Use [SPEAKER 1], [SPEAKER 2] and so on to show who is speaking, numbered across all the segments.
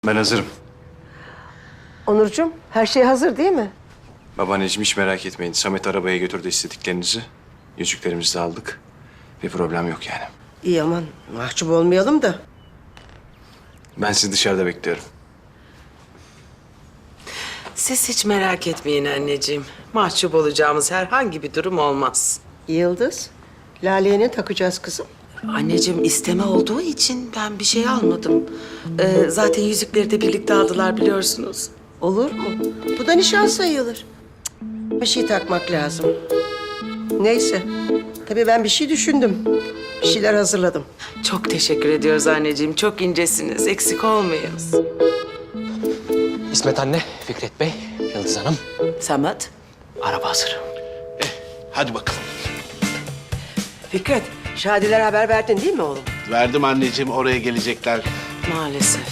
[SPEAKER 1] Ben hazırım.
[SPEAKER 2] Onurcuğum, her şey hazır değil mi?
[SPEAKER 1] Babaanneciğim hiç merak etmeyin. Samet arabaya götürdü istediklerinizi. Yüzüklerimizi de aldık. Bir problem yok yani.
[SPEAKER 2] İyi aman, mahcup olmayalım da.
[SPEAKER 1] Ben sizi dışarıda bekliyorum.
[SPEAKER 3] Siz hiç merak etmeyin anneciğim. Mahcup olacağımız herhangi bir durum olmaz.
[SPEAKER 2] Yıldız, Lale'ye ne takacağız kızım?
[SPEAKER 3] Anneciğim isteme olduğu için ben bir şey almadım. Zaten yüzükleri de birlikte aldılar biliyorsunuz.
[SPEAKER 2] Olur mu? Bu da nişan sayılır. Cık, bir şey takmak lazım. Neyse, tabii ben bir şey düşündüm. Bir şeyler hazırladım.
[SPEAKER 3] Çok teşekkür ediyoruz anneciğim. Çok incesiniz. Eksik olmayız.
[SPEAKER 4] İsmet anne, Fikret Bey, Yıldız Hanım.
[SPEAKER 3] Samet.
[SPEAKER 4] Araba hazır.
[SPEAKER 5] Hadi bakalım.
[SPEAKER 2] Fikret, Şadilere haber verdin değil mi oğlum?
[SPEAKER 5] Verdim anneciğim, oraya gelecekler.
[SPEAKER 3] Maalesef.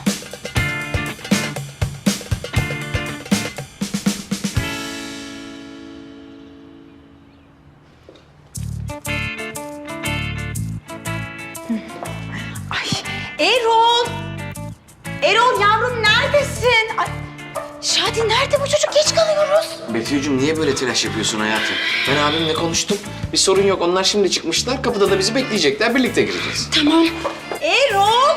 [SPEAKER 6] Ay Erol! Erol yavrum neredesin? Ay, Şadi nerede bu çocuk? Geç kalıyoruz.
[SPEAKER 4] Betül'cüğüm niye böyle telaş yapıyorsun hayatım? Ben abimle konuştum. Bir sorun yok. Onlar şimdi çıkmışlar. Kapıda da bizi bekleyecekler. Birlikte gireceğiz.
[SPEAKER 6] Tamam. Erol!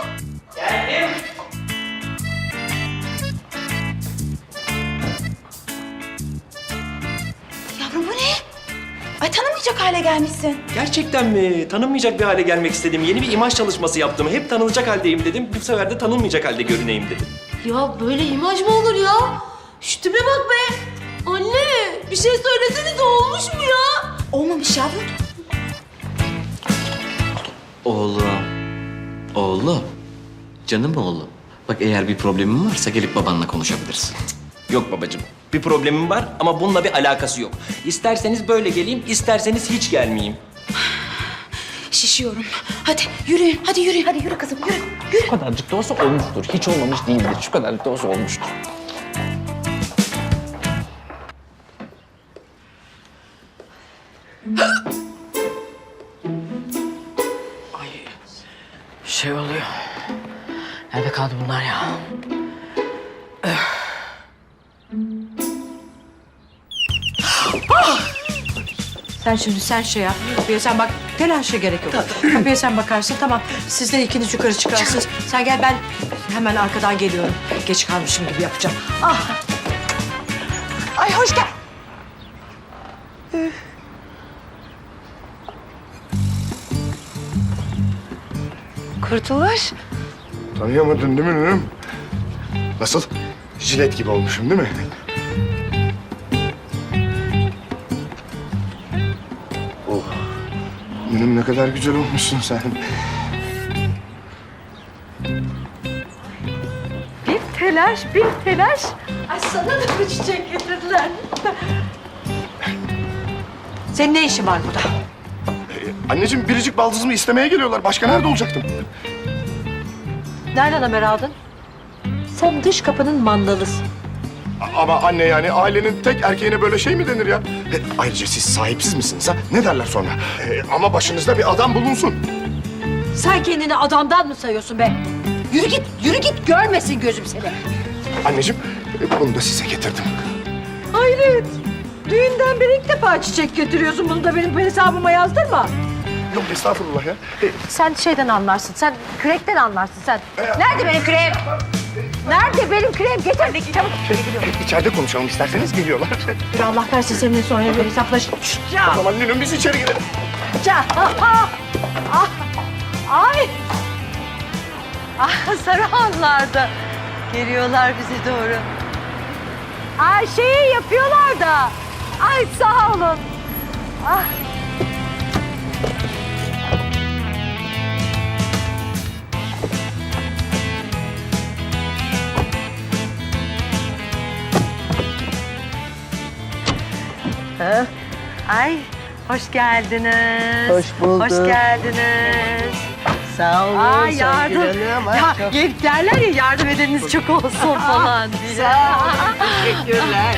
[SPEAKER 6] Yavrum bu ne? Ay tanımayacak hale gelmişsin.
[SPEAKER 7] Gerçekten mi? Tanınmayacak bir hale gelmek istedim. Yeni bir imaj çalışması yaptım. Hep tanınacak haldeyim dedim. Bu sefer de tanınmayacak halde görüneyim dedim.
[SPEAKER 8] Ya böyle imaj mı olur ya? Şu tipe bak be. Anne bir şey söyleseniz olmuş mu ya?
[SPEAKER 6] Olmamış yavrum.
[SPEAKER 4] Oğlum. Oğlum. Canım oğlum. Bak eğer bir problemin varsa gelip babanla konuşabilirsin.
[SPEAKER 7] Yok babacığım. Bir problemim var ama bununla bir alakası yok. İsterseniz böyle geleyim, isterseniz hiç gelmeyeyim.
[SPEAKER 6] Şişiyorum. Hadi yürüyün. Hadi yürü. Hadi yürü kızım yürü. Yürü.
[SPEAKER 4] Şu kadarcık da olsa olmuştur. Hiç olmamış değildir. Şu kadarcık da olsa olmuştur.
[SPEAKER 3] Bir şey oluyor. Nerede kaldı bunlar ya?
[SPEAKER 9] Sen şey yap. Kapıya sen bak. Telaşa gerek yok. Kapıya sen bakarsın. Tamam. Siz de ikiniz yukarı çıkarsınız. Sen gel ben hemen arkadan geliyorum. Geç kalmışım gibi yapacağım. Ah. Ay hoş gel.
[SPEAKER 2] Kurtuluş.
[SPEAKER 10] Tanıyamadın değil mi nünüm? Nasıl? Jilet gibi olmuşum değil mi? Oh. Nünüm ne kadar güzel olmuşsun sen.
[SPEAKER 9] Bir telaş. Ay sana da bir çiçek getirdiler. Senin ne işin var burada?
[SPEAKER 10] Anneciğim biricik baldızımı istemeye geliyorlar. Başka nerede olacaktım?
[SPEAKER 9] Nereden haber aldın? Sen dış kapının mandalısın.
[SPEAKER 10] Ama anne yani ailenin tek erkeğine böyle şey mi denir ya? Ayrıca siz sahipsiz misiniz ha? Ne derler sonra? Ama başınızda bir adam bulunsun.
[SPEAKER 9] Sen kendini adamdan mı sayıyorsun be? Yürü git, görmesin gözüm seni.
[SPEAKER 10] Anneciğim bunu da size getirdim.
[SPEAKER 9] Hayret, düğünden beri ilk defa çiçek getiriyorsun. Bunu da benim hesabıma yazdırma.
[SPEAKER 10] Yok estağfurullah ya.
[SPEAKER 9] Sen şeyden anlarsın, sen kürekten anlarsın sen. Nerede benim küreğim? Nerede benim küreğim? Getir, çabuk.
[SPEAKER 10] İçeride konuşalım isterseniz geliyorlar.
[SPEAKER 9] Bir Allah versin seninle sonra bir hesaplaş.
[SPEAKER 10] O zaman nünüm biz içeri girelim.
[SPEAKER 9] Ay! Ah, Sarıhanlar da geliyorlar bize doğru. Ay şeyi yapıyorlar da. Ay sağ olun. Ah. Ha? Ay hoş geldiniz.
[SPEAKER 2] Hoş bulduk.
[SPEAKER 9] Hoş geldiniz.
[SPEAKER 2] Sağ olun.
[SPEAKER 9] Ay yardım.
[SPEAKER 2] Songül Hanım. Ay,
[SPEAKER 9] Ya,
[SPEAKER 2] çok
[SPEAKER 9] derler ya yardım edeniniz çok olsun falan diye.
[SPEAKER 2] sağ olun. Teşekkürler.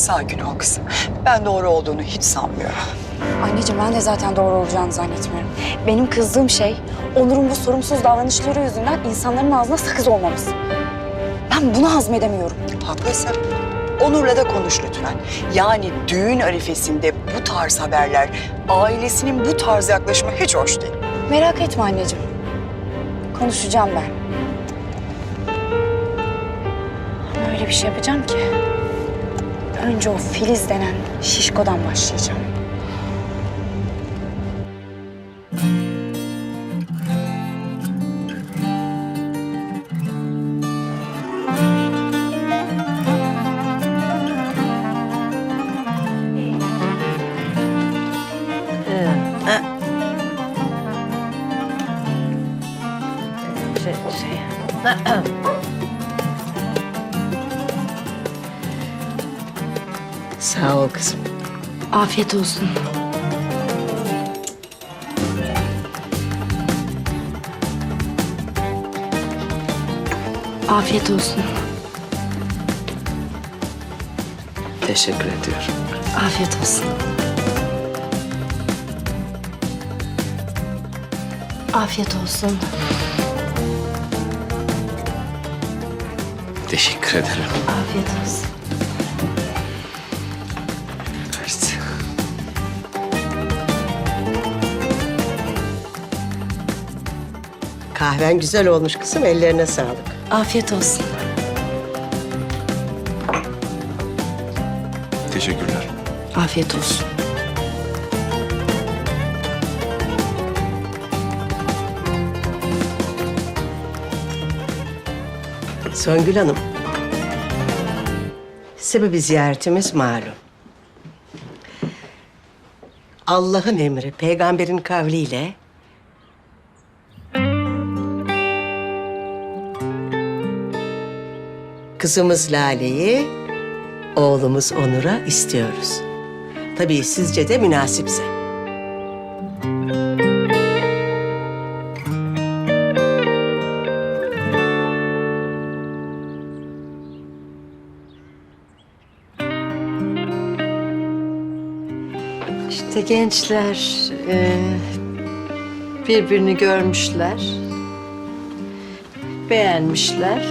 [SPEAKER 11] Sakin ol kızım. Ben doğru olduğunu hiç sanmıyorum.
[SPEAKER 6] Anneciğim ben de zaten doğru olacağını zannetmiyorum. Benim kızdığım şey Onur'un bu sorumsuz davranışları yüzünden insanların ağzına sakız olmamız. Ben bunu hazmedemiyorum.
[SPEAKER 11] Haklısın. Onur'la da konuş lütfen. Yani düğün arifesinde bu tarz haberler, ailesinin bu tarz yaklaşımı hiç hoş değil.
[SPEAKER 6] Merak etme anneciğim. Konuşacağım ben. Ama öyle bir şey yapacağım ki. Önce o Filiz denen şişkodan başlayacağım.
[SPEAKER 2] Sağ ol kızım.
[SPEAKER 6] Afiyet olsun. Afiyet olsun.
[SPEAKER 3] Teşekkür ediyorum.
[SPEAKER 6] Afiyet olsun. Afiyet olsun.
[SPEAKER 1] Teşekkür ederim.
[SPEAKER 6] Afiyet olsun.
[SPEAKER 1] Evet.
[SPEAKER 2] Kahven güzel olmuş kızım. Ellerine sağlık.
[SPEAKER 6] Afiyet olsun.
[SPEAKER 1] Teşekkürler.
[SPEAKER 6] Afiyet olsun.
[SPEAKER 2] Songül Hanım. Sebebi ziyaretimiz malum. Allah'ın emri, peygamberin kavliyle kızımız Lale'yi oğlumuz Onur'a istiyoruz. Tabii sizce de münasipse.
[SPEAKER 9] İşte gençler birbirini görmüşler, beğenmişler.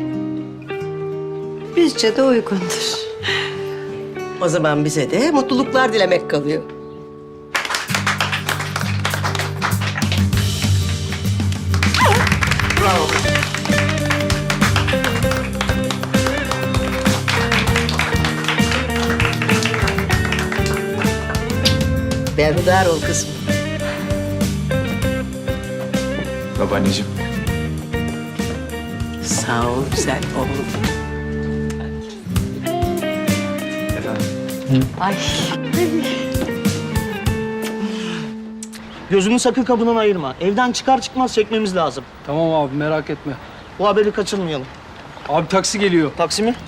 [SPEAKER 9] Bizce de uygundur.
[SPEAKER 2] O zaman bize de mutluluklar dilemek kalıyor. Berhudar ol kızım.
[SPEAKER 1] Babaanneciğim.
[SPEAKER 2] Sağ ol güzel oğlum.
[SPEAKER 1] Efendim?
[SPEAKER 9] Ay.
[SPEAKER 12] Gözünü sakın kapından ayırma. Evden çıkar çıkmaz çekmemiz lazım.
[SPEAKER 7] Tamam abi merak etme.
[SPEAKER 12] Bu haberi kaçırmayalım.
[SPEAKER 7] Abi taksi geliyor.
[SPEAKER 12] Taksi mi?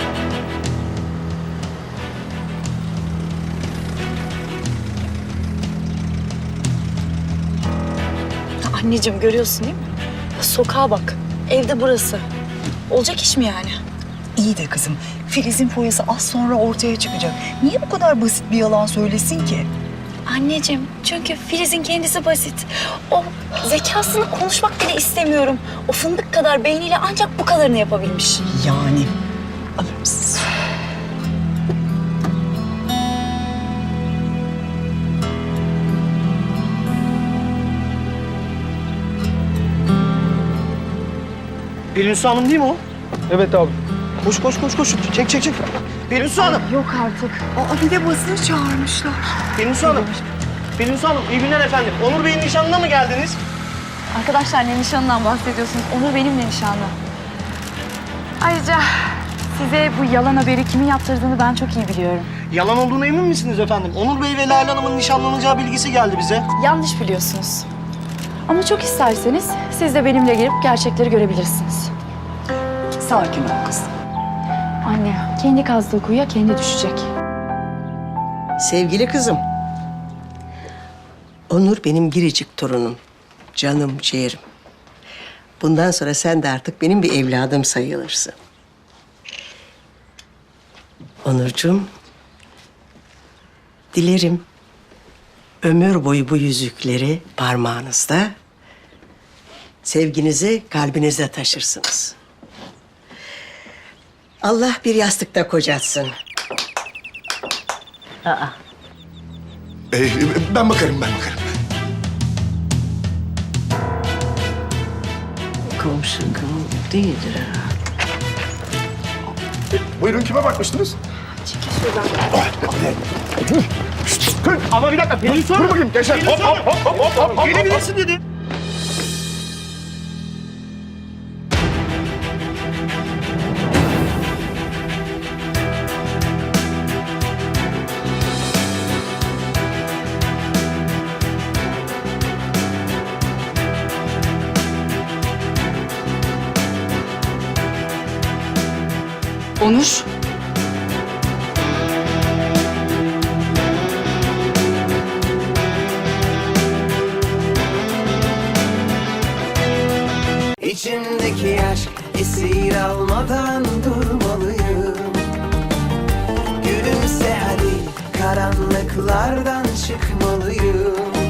[SPEAKER 6] Anneciğim görüyorsun değil mi? Sokağa bak. Evde burası. Olacak iş mi yani?
[SPEAKER 11] İyi de kızım, Filiz'in foyası az sonra ortaya çıkacak. Niye bu kadar basit bir yalan söylesin ki?
[SPEAKER 6] Anneciğim çünkü Filiz'in kendisi basit. O zekasını konuşmak bile istemiyorum. O fındık kadar beyniyle ancak bu kadarını yapabilmiş.
[SPEAKER 11] Yani alır mısınız?
[SPEAKER 12] Pelinsu Hanım değil mi o?
[SPEAKER 7] Evet abi.
[SPEAKER 12] Koş koş koş koş. Çek çek çek. Pelinsu Hanım.
[SPEAKER 6] Yok artık.
[SPEAKER 11] Aa, bir de basını çağırmışlar.
[SPEAKER 12] Pelinsu Hanım. Pelinsu Hanım iyi günler efendim. Onur Bey'in nişanına mı geldiniz?
[SPEAKER 6] Arkadaşlar ne nişanından bahsediyorsunuz? Onur benimle nişanlı. Ayrıca size bu yalan haberi kimin yaptırdığını ben çok iyi biliyorum.
[SPEAKER 12] Yalan olduğuna emin misiniz efendim? Onur Bey ve Lale Hanım'ın nişanlanacağı bilgisi geldi bize.
[SPEAKER 6] Yanlış biliyorsunuz. Ama çok isterseniz siz de benimle gelip gerçekleri görebilirsiniz.
[SPEAKER 11] Sakin ol kızım.
[SPEAKER 6] Anne, kendi kazdığı kuyuya kendi düşecek.
[SPEAKER 2] Sevgili kızım. Onur benim biricik torunum. Canım, ciğerim. Bundan sonra sen de artık benim bir evladım sayılırsın. Onurcuğum, Dilerim ömür boyu bu yüzükleri parmağınızda, sevginizi kalbinizde taşırsınız. Allah bir yastıkta kocatsın.
[SPEAKER 10] Ben bakarım.
[SPEAKER 9] Komşu değildir herhalde.
[SPEAKER 10] Buyurun, kime bakmıştınız?
[SPEAKER 12] Ama bir dakika Pelin sor.
[SPEAKER 10] Dur bakayım gençler. Hop.
[SPEAKER 12] Gelebilirsin dedi.
[SPEAKER 6] Onur.
[SPEAKER 13] İçimdeki aşk esir almadan durmalıyım. Gülümse hadi, karanlıklardan çıkmalıyım.